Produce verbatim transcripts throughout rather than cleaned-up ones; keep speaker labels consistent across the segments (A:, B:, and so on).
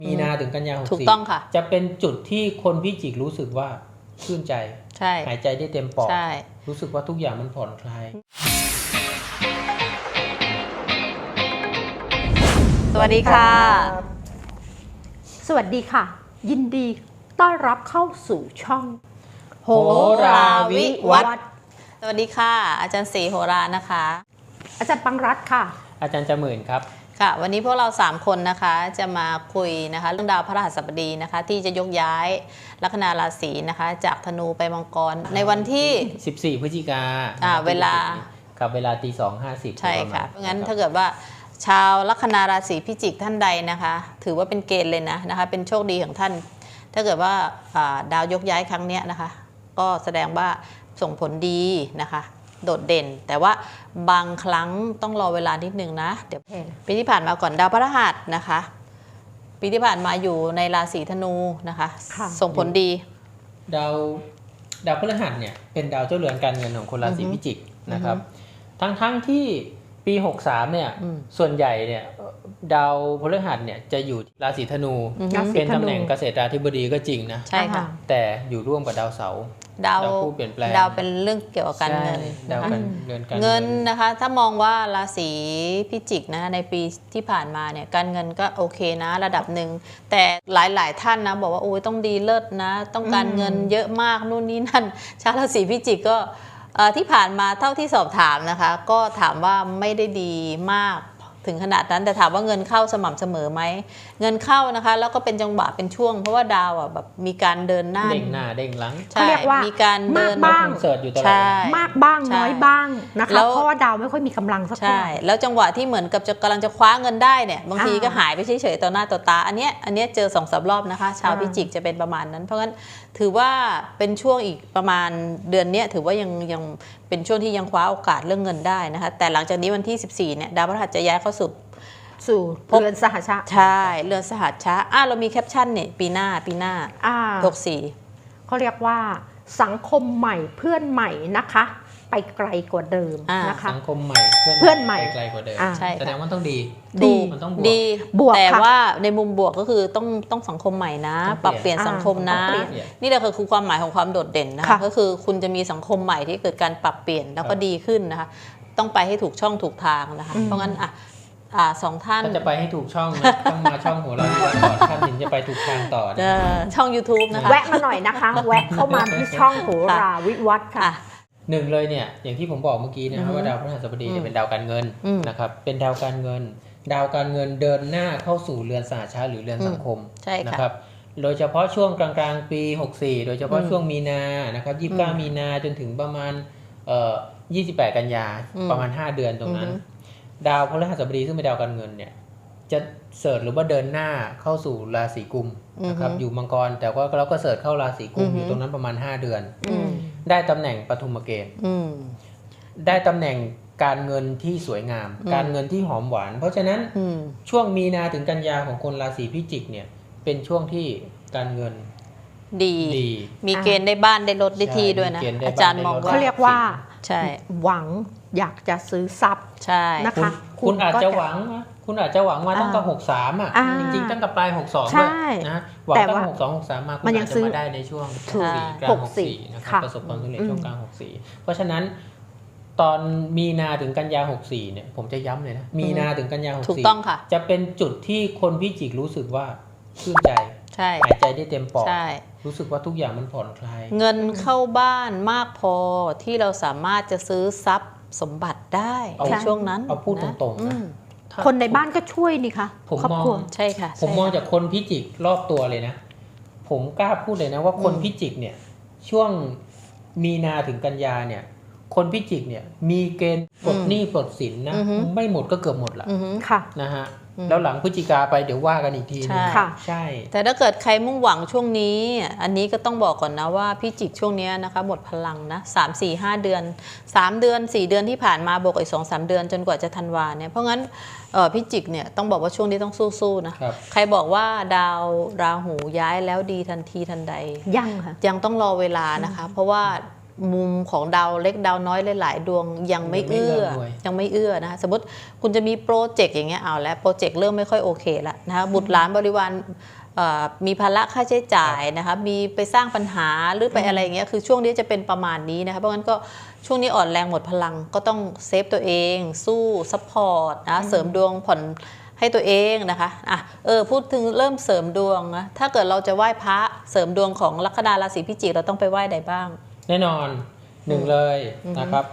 A: มีนาถึงกันยาหกสี่
B: ถูกต้องค่ะ
A: จะเป็นจุดที่คนพิจิกรู้สึกว่าชื่นใจ
B: ใช่
A: หายใจได้เต็มปอด
B: ใช่
A: รู้สึกว่าทุกอย่างมันผ่อนคลาย
B: สวัสดีค่ะ
C: สวัสดีค่ะยินดีต้อนรับเข้าสู่ช่อง
B: โหราวิวัฒน์สวัสดีค่ะอาจารย์ศรีโหรานะคะ
C: อาจารย์ปังรัตน์ค่ะ
A: อาจารย์จมื่นครับ
B: ค่ะวันนี้พวกเราสามคนนะคะจะมาคุยนะคะเรื่องดาวพฤหัสบดีนะคะที่จะยกย้ายลัคนาราศีนะคะจากธนูไปมังกรในวันที่
A: สิบสี่พฤศจิกา
B: อ่าเวลา
A: กับเวลาตีสองห้าสิบ
B: ใช่ค่ะเพราะงั้นถ้าเกิดว่าชาวลัคนาราศีพิจิกท่านใดนะคะถือว่าเป็นเกณฑ์เลยนะนะคะเป็นโชคดีของท่านถ้าเกิดว่าดาวยกย้ายครั้งนี้นะคะก็แสดงว่าส่งผลดีนะคะโดดเด่นแต่ว่าบางครั้งต้องรอเวลานิดนึงนะเดี๋ยวปีที่ผ่านมาก่อนดาวพฤหัสนะคะปีที่ผ่านมาอยู่ในราศีธนูนะคะส่งผลดี
A: ดาวดาวพฤหัสเนี่ยเป็นดาวเจ้าเรือนการเงินของคนราศีพิจิกนะครับทั้งทั้งที่ปีหกสามเนี่ยส่วนใหญ่เนี่ยดาวพฤหัสเนี่ยจะอยู่ราศีธนูเป็นตำแหน่งเกษตราธิบดีก็จริงนะ
B: ใช่ค่ะ
A: แต่อยู่ร่วมกับดาวเสาร์
B: ดาว
A: ผู้เปลี่ยนแปลง
B: ดาวเป็นเรื่องเกี่ยวกับการเงิน
A: ดาวการเงิน
B: เงินนะคะถ้ามองว่าราศีพิจิกนะในปีที่ผ่านมาเนี่ยการเงินก็โอเคนะระดับหนึ่งแต่หลายๆท่านนะบอกว่าโอ้ยต้องดีเลิศนะต้องการเงินเยอะมากนู่นนี่นั่นชาวราศีพิจิกก็ที่ผ่านมาเท่าที่สอบถามนะคะก็ถามว่าไม่ได้ดีมากถึงขนาดนั้นแต่ถามว่าเงินเข้าสม่ำเสมอไหมเงินเข้านะคะแล้วก็เป็นจังหวะเป็นช่วงเพราะว่าดาวอ่ะแบบมีการเดินหน้า
A: เด้งหน้าเด้งหลัง
C: เขาเรียกว่า
B: มีการเดิน
C: บ้าง
A: เสิร์ชอยู่ตลอด
C: มากบ้างน้อยบ้างนะคะเพราะว่าดาวไม่ค่อยมีกำลังสักเท่าไหร่
B: แล้วจังหวะที่เหมือนกับจะกำลังจะคว้าเงินได้เนี่ยบางทีก็หายไปเฉยๆต่อหน้าต่อตาอันเนี้ยอันเนี้ยเจอสองสามรอบนะคะชาวพิจิกจะเป็นประมาณนั้นเพราะงั้นถือว่าเป็นช่วงอีกประมาณเดือนนี้ถือว่ายังยังเป็นช่วงที่ยังคว้าโอกาสเรื่องเงินได้นะคะแต่หลังจากนี้วันที่สิบสี่เนี่ยดาวพฤหัสจะย้ายเข้าสู่
C: สู่เรือนสหชาติ
B: ใช่เรือนสหชาติอ่ะเรามีแคปชั่นเนี่ยปีหน้าปีหน้าหกสี่
C: เขาเรียกว่าสังคมใหม่เพื่อนใหม่นะคะไปไกลกว่าเดิมนะคะ
A: สังคมใหม่
C: เพื่อนใหม่
A: ไปไกลกว่าเดิมแสดงว่าต้องดี
B: ดี
A: มันต้อง
B: ดีบวกแต่ว่าในมุมบวกก็คือต้องต้องสังคมใหม่นะปรับเปลี่ยนสังคมนะนี่แหละคือความหมายของความโดดเด่นนะคะก็คือคุณจะมีสังคมใหม่ที่เกิดการปรับเปลี่ยนแล้วก็ดีขึ้นนะคะต้องไปให้ถูกช่องถูกทางนะคะเพราะงั้นอ่ะอ่าสองท่าน
A: ถ้าจะไปให้ถูกช่องนะต้องมาช่องหัวเราก่อนท่านถึงจะไปถูกทางต่อ
B: ช่อง YouTube นะคะ
C: แวะมาหน่อยนะคะแวะเข้ามาที่ช่องโหราวิวัฒน์ค่ะ
A: หนึ่งเลยเนี่ยอย่างที่ผมบอกเมื่อกี้นะครับว่าดาวพฤหัสบดีจะเป็นดาวการเงินนะครับเป็นดาวการเงินดาวการเงินเดินหน้าเข้าสู่เรือนสหชาติหรือเรือนสังคมนะครับโดยเฉพาะช่วงกลางๆปีหกสี่โดยเฉพาะช่วงมีนานะครับยี่สิบเก้ามีนาจนถึงประมาณเอ่อยี่สิบแปดกันยาประมาณห้าเดือนตรงนั้นดาวพฤหัสบดีซึ่งเป็นดาวการเงินเนี่ยจะเสิร์ชหรือว่าเดินหน้าเข้าสู่ราศีกุมนะครับอยู่มังกรแต่ว่าเราก็เสิร์ชเข้าราศีกุมอยู่ตรงนั้นประมาณห้าเดือนได้ตำแหน่งปฐุมเกณฑ์ได้ตำแหน่งการเงินที่สวยงามการเงินที่หอมหวานเพราะฉะนั้นช่วงมีนาถึงกันยาของคนราศีพิจิกเนี่ยเป็นช่วงที่การเงิน
B: ดีมีเกณฑ์ได้บ้านได้รถได้ที่ด้วยนะอาจารย์มองว่า
C: เขาเรียกว่า
B: ใช่
C: หวังอยากจะซื้อทรัพย์
B: ใช่
C: นะคะ
A: คุณอาจจะหวังนะคุณอาจจะหวังมาตั้งแต่หกสามอ่ะจริงๆตั้งแต่ปลายหกสองด้วยนะหวังตั้งหกสองหกสามมาคุณอาจจะมาได้ในช่วงสี่กลางหกสี่นะครับประสบความสำเร็จช่วงกลางหกสี่เพราะฉะนั้นตอนมีนาถึงกันยาหกสี่เนี่ยผมจะย้ำเลยนะมีนาถึงกันยาหกสี่จะเป็นจุดที่คนพิจิกรู้สึกว่าชื่นใจหายใจได้เต็มปอดรู้สึกว่าทุกอย่างมันผ่อนคลาย
B: เงินเข้าบ้านมากพอที่เราสามารถจะซื้อทรัพย์สมบัติได้ในช่วงนั้น
A: เอาพูดตรงๆนะ
C: คนในบ้านก็ช่วยนี่คะ
A: ผมมอง
B: ใช่ค่ะ
A: ผมมองจากคนพิจิกรอบตัวเลยนะผมกล้าพูดเลยนะว่าคนพิจิกเนี่ยช่วงมีนาถึงกันยาเนี่ยคนพิจิกเนี่ยมีเกณฑ์ปลดหนี้ปลดสินนะไม่หมดก็เกือบหมดละนะฮะแล้วหลังพฤศจิกาไปเดี๋ยวว่ากันอีกทีนึง
C: ค่ะ
A: ใช่
B: แต่ถ้าเกิดใครมุ่งหวังช่วงนี้อันนี้ก็ต้องบอกก่อนนะว่าพิจิกช่วงนี้นะคะหมดพลังนะสาม สี่ ห้าเดือนสามเดือนสี่เดือนที่ผ่านมาบวกอีก สอง สามเดือนจนกว่าจะธันวาเนี่ยเพราะงั้นเอ่อพิจิกเนี่ยต้องบอกว่าช่วงนี้ต้องสู้ๆนะใครบอกว่าดาวราหูย้ายแล้วดีทันทีทันใด
C: ยังค่ะ
B: ยังต้องรอเวลานะคะเพราะว่ามุมของดาวเล็กดาวน้อยหลายๆดวงยังไม่เอื้อยังไม่เอื้อนะคะสมมติคุณจะมีโปรเจกต์อย่างเงี้ยเอาแล้วโปรเจกต์เริ่มไม่ค่อยโอเคแล้วนะคะบุตรหลานบริวารมีภาระค่าใช้จ่ายนะคะมีไปสร้างปัญหาหรือไปอะไรอย่างเงี้ยคือช่วงนี้จะเป็นประมาณนี้นะคะเพราะงั้นก็ช่วงนี้อ่อนแรงหมดพลังก็ต้องเซฟตัวเองสู้ซัพพอร์ตนะเสริมดวงผ่อนให้ตัวเองนะคะอ่ะเออพูดถึงเริ่มเสริมดวงนะถ้าเกิดเราจะไหว้พระเสริมดวงของลัคนาราศีพิจิกเราต้องไปไหว้ใดบ้าง
A: แน่นอนหนึ่งเลยนะครับ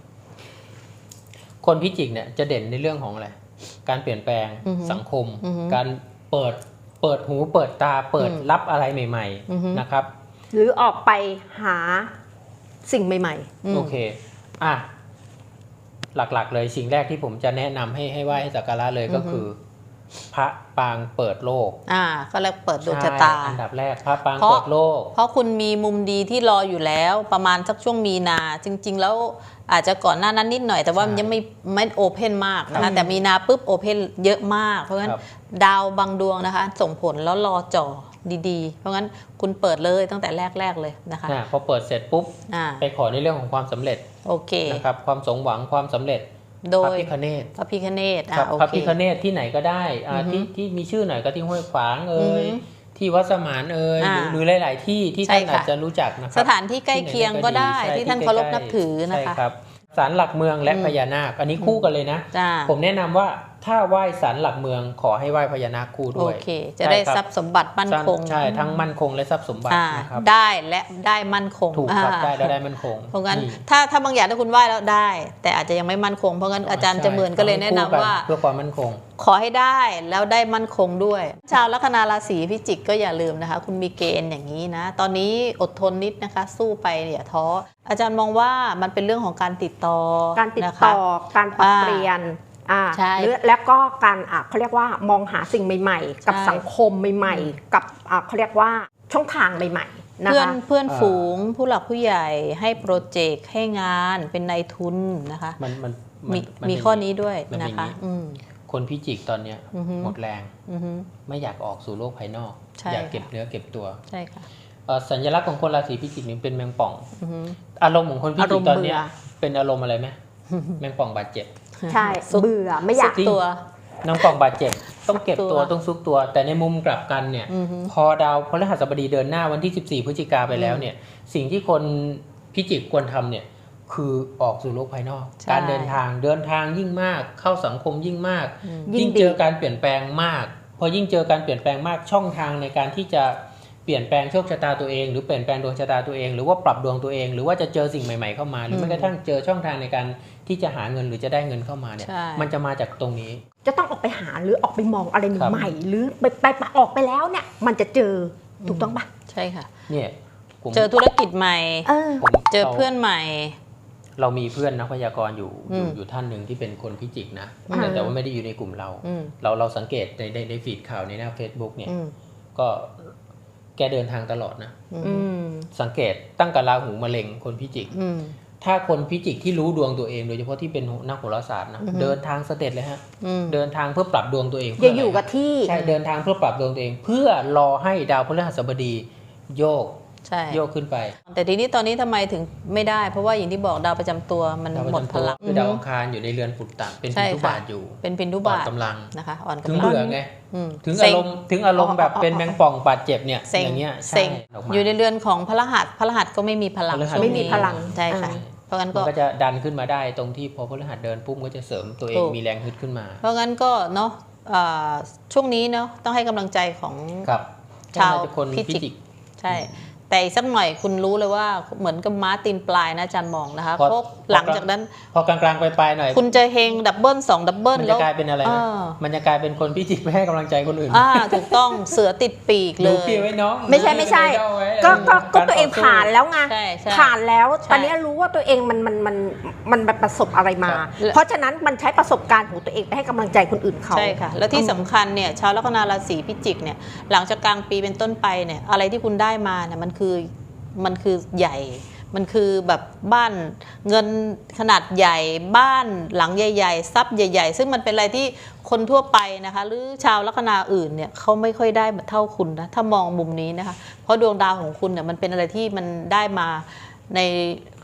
A: คนพิจิกเนี่ยจะเด่นในเรื่องของอะไรการเปลี่ยนแปลงสังคมการเปิดเปิดหูเปิดตาเปิดรับอะไรใหม่ๆนะครับ
C: หรือออกไปหาสิ่งใหม่
A: ๆโอเคอ่ะหลักๆเลยสิ่งแรกที่ผมจะแนะนำให้ให้ไหว้ให้สักการะเลยก็คือพระปางเปิดโลก
B: อ่าก็เรียกเปิดดวงชะตา
A: อันดับแรกพระปางเปิดโลก
B: เพราะคุณมีมุมดีที่รออยู่แล้วประมาณสักช่วงมีนาจริงๆแล้วอาจจะก่อนหน้านั้นนิดหน่อยแต่ว่ามันยังไม่ไม่โอเพนมากนะคะแต่มีนาปุ๊บโอเพนเยอะมากเพราะฉะนั้นดาวบางดวงนะคะส่งผลแล้วรอจ่อดีๆเพราะงั้นคุณเปิดเลยตั้งแต่แรกๆเลยนะคะ
A: พอเปิดเสร็จปุ๊บไปขอในเรื่องของความสำเร็จ
B: โอเค
A: นะครับความสมหวังความสำเร็จ
B: โด
A: ยพระพิฆเนศ
B: พระพิฆเนศ
A: พระพิฆเนศที่ไหนก็ได้ที่ที่มีชื่อหน่อยก็ที่ห้วยขวางเอ่ยที่วัดสมานเอ่ยหรือหลายๆที่ที่ท่านอาจจะรู้จักนะครับ
B: สถานที่ใกล้เคียงก็ได้ที่ท่านเคารพนับถือนะคะ
A: ศาลหลักเมืองและพญานาคอันนี้คู่กันเลยนะผมแนะนำว่าถ้าไหว้ศาลหลักเมืองขอให้ไหว้พญานาคคู่ด้วย
B: โอเคจะได้ทรัพย์สมบัติมั่นคง
A: ใช่ทั้งมั่นคงและทรัพย์สมบัตินะครับ
B: ได้และได้มั่นคง
A: ถูกครับได้และได้มั่นคง
B: เพราะงั้นถ้าถ้าบางอย่างถ้าคุณไหว้แล้วได้แต่อาจจะยังไม่มั่นคงเพราะงั้นอาจารย์จะเหมือนก็เลยแนะนำว่า
A: เพื่อความมั่นคง
B: ขอให้ได้แล้วได้มั่นคงด้วยชาวลัคนาราศีพิจิกก็อย่าลืมนะคะคุณมีเกณฑ์อย่างนี้นะตอนนี้อดทนนิดนะคะสู้ไปอย่าท้ออาจารย์มองว่ามันเป็นเรื่องของการติดต่อ
C: การติดต่อการปรับเปลี่ยนอ่าหรือแล้วก็การอ่ะเขาเรียกว่ามองหาสิ่งใหม่ๆกับสังคมใหม่ๆกับอ่ะเขาเรียกว่าช่องทางใหม่ๆนะคะ
B: เพื่อนเพื่อนฝูงผู้หลักผู้ใหญ่ให้โปรเจกต์ให้งานเป็นนายทุนนะคะ
A: มันมัน
B: มีมีข้อนี้ด้วยนะคะ
A: คนพิจิกตอนเนี้ยหมดแรงไม่อยากออกสู่โลกภายนอกอยากเก็บเนื้อเก็บตัว
B: ใช่ค่ะ
A: สัญลักษณ์ของคนราศีพิจิกนี่เป็นแมงป่องอารมณ์ของคนพิจิกตอนนี้เป็นอารมณ์อะไรไหมแมงป่องบาดเจ็บ
C: ใช่เบื่อไม่อยาก
B: ตัว
A: น้องป่องบาดเจ็บต้องเก็บตัวต้องซุกตัวแต่ในมุมกลับกันเนี่ยพอดาวพฤหัสบดีเดินหน้าวันที่สิบสี่พฤศจิกาไปแล้วเนี่ยสิ่งที่คนพิจิกควรทำเนี่ยคือออกสู่โลกภายนอกการเดินทางเดินทางยิ่งมากเข้าสังคมยิ่งมากยิ่งเจอการเปลี่ยนแปลงมากพอยิ่งเจอการเปลี่ยนแปลงมากช่องทางในการที่จะเปลี่ยนแปลงโชคชะตาตัวเองหรือเปลี่ยนแปลงดวงชะตาตัวเองหรือว่าปรับดวงตัวเองหรือว่าจะเจอสิ่งใหม่ๆเข้ามาหรือแม้กระทั่งเจอช่องทางในการที่จะหาเงินหรือจะได้เงินเข้ามาเนี่ยมันจะมาจากตรงนี้
C: จะต้องออกไปหาหรือออกไปมองอะไรใหม่ๆหรือไปไปออกไปแล้วเนี่ยมันจะเจอถูกต้องปะ
B: ใช่ค่ะ
A: เนี่ย
B: เจอธุรกิจใหม่เจอเพื่อนใหม่
A: เรามีเพื่อนนักพยากรณ์อยู่อยู่ท่านหนึ่งที่เป็นคนพิจิกนะแต่แต่ว่าไม่ได้อยู่ในกลุ่มเราเราเราสังเกตในในในฟีดข่าวในหน้า Facebook เนี่ยก็แกเดินทางตลอดนะสังเกตตั้งแต่ราหูมะเร็งคนพิจิกถ้าคนพิจิกที่รู้ดวงตัวเองโดยเฉพาะที่เป็นนักโหราศาสตร์นะเดินทางเสด็จเลยฮะเดินทางเพื่อปรับดวงตัวเอง
C: อย่าอยู่กับที่
A: ใช่เดินทางเพื่อปรับดวงตัวเองเพื่อรอให้ดาวพฤหัสบดีโยกโยกขึ้นไป
B: แต่ทีนี้ตอนนี้ทำไมถึงไม่ได้เพราะว่าอย่างที่บอกดาวประจำตัวมันหมดพลัง
A: คือดาวอังคารอยู่ในเรือนปุตตะเป็นพินทุบาทอยู่
B: เป็นพินทุบาท
A: กำลัง
B: นะคะอ่อนกำลัง
A: ถึงเบื่อไงถึงอารมณ์ถึงอารมณ์แบบเป็นแมงป่องบาดเจ็บเนี่ยอย่างเงี้ย
B: เซ็งอยู่ในเรือนของพฤหัสพฤหัสก็ไม่มีพลัง
C: ไม่มีพลัง
B: ใช่ค่ะเพราะงั้นก็
A: จะดันขึ้นมาได้ตรงที่พอพฤหัสเดินปุ๊บก็จะเสริมตัวเองมีแรงฮึดขึ้นมา
B: เพราะงั้นก็เนาะช่วงนี้เนาะต้องให้กำลังใจของชาวพิจิกใช่แต่อีกสักหน่อยคุณรู้เลยว่าเหมือนกับม้าตีนปลายนะอาจารย์มองนะคะเพราะหลังจากนั้น
A: พอกลางๆไปๆหน่อย
B: คุณจะเฮงดับเบิลสองดับเบิล
A: มันจะกลายเป็นอะไรนะมันจะกลายเป็นคนพิจิกไม่ให้กำลังใจคนอื่น
B: อ่าถูกต้องเสือติดปีกเลย
A: ดูพี่ไว้น้อง
C: ไม่ใช่ไม่ใช่ก็ก็ก็ตัวเองผ่านแล้วไงผ่านแล้วตอนนี้รู้ว่าตัวเองมันมันมันมันประสบอะไรมาเพราะฉะนั้นมันใช้ประสบการณ์ของตัวเองไปให้กำลังใจคนอื่นเขา
B: ใช่ค่ะแล้วที่สำคัญเนี่ยชาวลัคนาราศีพิจิกเนี่ยหลังจากกลางปีเป็นต้นไปเนี่ยอะไรที่คุณได้มาเนี่ยมันคือมันคือใหญ่มันคือแบบบ้านเงินขนาดใหญ่บ้านหลังใหญ่ๆทรัพย์ใหญ่ๆซึ่งมันเป็นอะไรที่คนทั่วไปนะคะหรือชาวลัคนาอื่นเนี่ยเขาไม่ค่อยได้เท่าคุณนะถ้ามองมุมนี้นะคะเพราะดวงดาวของคุณเนี่ยมันเป็นอะไรที่มันได้มาใน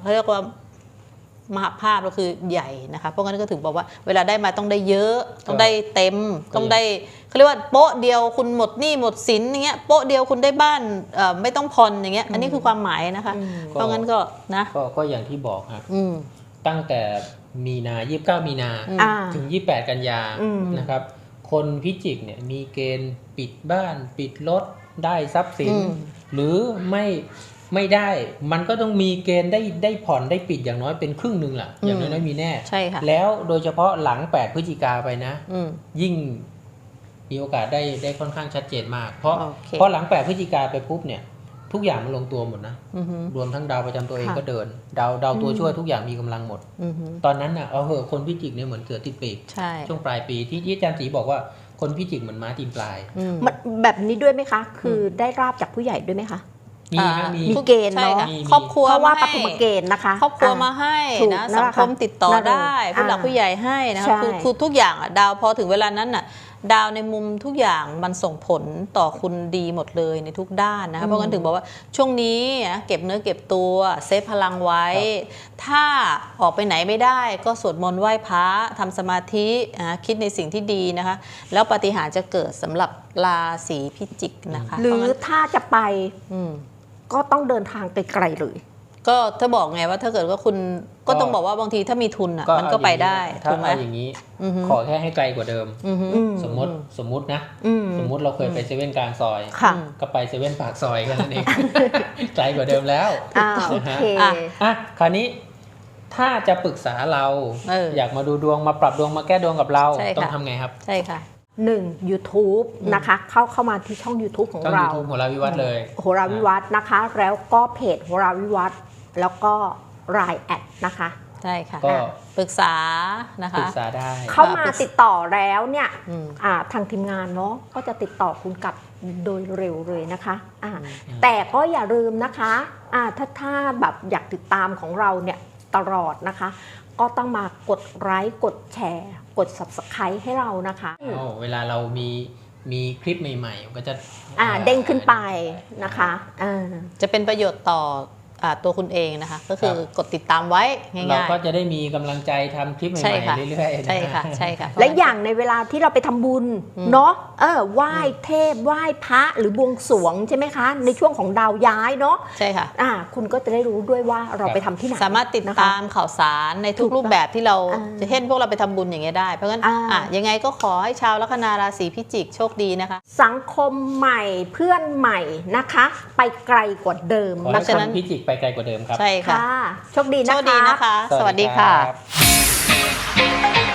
B: เขาเรียกว่ามหาภาพก็คือใหญ่นะคะเพราะงั้นก็ถึงบอกว่าเวลาได้มาต้องได้เยอะต้องได้เต็มต้องได้เขาเรียกว่าโป๊ะเดียวคุณหมดหนี้หมดสินอย่างเงี้ยโป๊ะเดียวคุณได้บ้านไม่ต้องผ่อนอย่างเงี้ยอันนี้คือความหมายนะคะเพราะงั้นก็นะ
A: ก็ก็อย่างที่บอกครับตั้งแต่มีนายี่สิบเก้ามีนาถึงยี่สิบแปดกันยานะครับคนพิจิกเนี่ยมีเกณฑ์ปิดบ้านปิดรถได้ทรัพย์สินหรือไม่ไม่ได้มันก็ต้องมีเกณฑ์ได้ได้ผ่อนได้ปิดอย่างน้อยเป็นครึ่งหนึ่งแหละอย่างน้อยๆมีแน่
B: ใช่ค่ะ
A: แล้วโดยเฉพาะหลังแปดพฤศจิกาไปนะยิ่งมีโอกาสได้ได้ค่อนข้างชัดเจนมากเพราะเพราะหลังแปดพฤศจิกาไปปุ๊บเนี่ยทุกอย่างมันลงตัวหมดนะรวมทั้งดาวประจำตัวเองก็เดินดาวดาวตัวช่วยทุกอย่างมีกำลังหมดตอนนั้นน่ะเอาเหอะคนพิจิกเนี่ยเหมือนเสือติดปีกช่วงปลายปีที่ที่อาจารย์ศรีบอกว่าคนพิจิกเหมือนม้าตีนปลาย
C: แบบนี้ด้วยไหมคะคือได้ราบจากผู้ใหญ่ด้วยไหมคะ
A: มีมี
C: มีเกณฑ์เนาะ
B: ครอบครัว
C: เพราะว่าปฐมเกณฑ์นะคะ
B: ครอบครัวมาให้นะสังคมติดต่อได้ผู้หลักผู้ใหญ่ให้นะคะคือคือทุกอย่างอ่ะดาวพอถึงเวลานั้นน่ะดาวในมุมทุกอย่างมันส่งผลต่อคุณดีหมดเลยในทุกด้านนะคะเพราะงั้นถึงบอกว่าช่วงนี้เก็บเนื้อเก็บตัวเซฟพลังไว้ถ้าออกไปไหนไม่ได้ก็สวดมนต์ไหว้พระทำสมาธิคิดในสิ่งที่ดีนะคะแล้วปาฏิหาริย์จะเกิดสำหรับราศีพิจิกนะคะ
C: หรือถ้าจะไปก็ต้องเดินทางไกลๆเลย
B: ก็ถ้าบอกไงว่าถ้าเกิดว่าคุณก็ต้องบอกว่าบางทีถ้ามีทุนอ่ะมันก็ไปได้
A: ถูกไหมอย่างนี้ขอแค่ให้ไกลกว่าเดิมสมมติสมมตินะสมมติเราเคยไปเซเว่นกลางซอยก็ไปเซเว่นปากซอยกันนั่นเองไกลกว่าเดิมแล้ว
C: โอเค
A: อ่ะคราวนี้ถ้าจะปรึกษาเราอยากมาดูดวงมาปรับดวงมาแก้ดวงกับเราต้องทำไงครับ
B: ใช่ค่ะ
C: หนึ่ง YouTube นะคะเข้าเข้ามาที่ช่อง YouTube ของเรา
A: YouTube โหราวิวัฒน์เลย
C: โหราวิวัฒน์นะคะแล้วก็เพจโหราวิวัฒน์แล้วก็ไลน์ แอดนะคะ
B: ใช่ค่ะก็ปรึกษานะคะ
A: ปรึกษาได้
C: เข้ามาติดต่อแล้วเนี่ยทางทีมงานเนาะก็จะติดต่อคุณกลับโดยเร็วเลยนะคะแต่ก็อย่าลืมนะคะถ้าถ้าแบบอยากติดตามของเราเนี่ยตลอดนะคะก็ต้องมากดไลค์กดแชร์กด ซับสไครบ์ ให้เรานะคะ
A: เวลาเรามีมีคลิปใหม่ๆก็จะ
C: เด้งขึ้นไปนะคะ
B: จะเป็นประโยชน์ต่อตัวคุณเองนะคะก็คือกดติดตามไว้ง่ายๆ
A: เราก็จะได้มีกำลังใจทำคลิปใหม่ๆเรื่อยๆ
B: ใช่ค่ะใช่ค่ะ
C: และอย่างในเวลาที่เราไปทำบุญเนาะเออไหว้เทพไหว้พระหรือบวงสรวงใช่ไหมคะในช่วงของดาวย้ายเนาะ
B: ใช่ค่ะ
C: อ่าคุณก็จะได้รู้ด้วยว่าเราไปทำที่ไหน
B: สามารถติดตามข่าวสารในทุกรูปแบบที่เราจะเห็นพวกเราไปทำบุญอย่างเงี้ยได้เพราะงั้นอ่ะยังไงก็ขอให้ชาวลัคนาราศีพิจิกโชคดีนะคะ
C: สังคมใหม่เพื่อนใหม่นะคะไปไกลกว่าเดิม
A: เพราะฉะนั้นพิจิกไปไกลกว่าเดิมครับ
B: ใช่ค่ะ
C: โชคดีนะคะ
B: โชคดีนะคะ สวัสดีค่ะ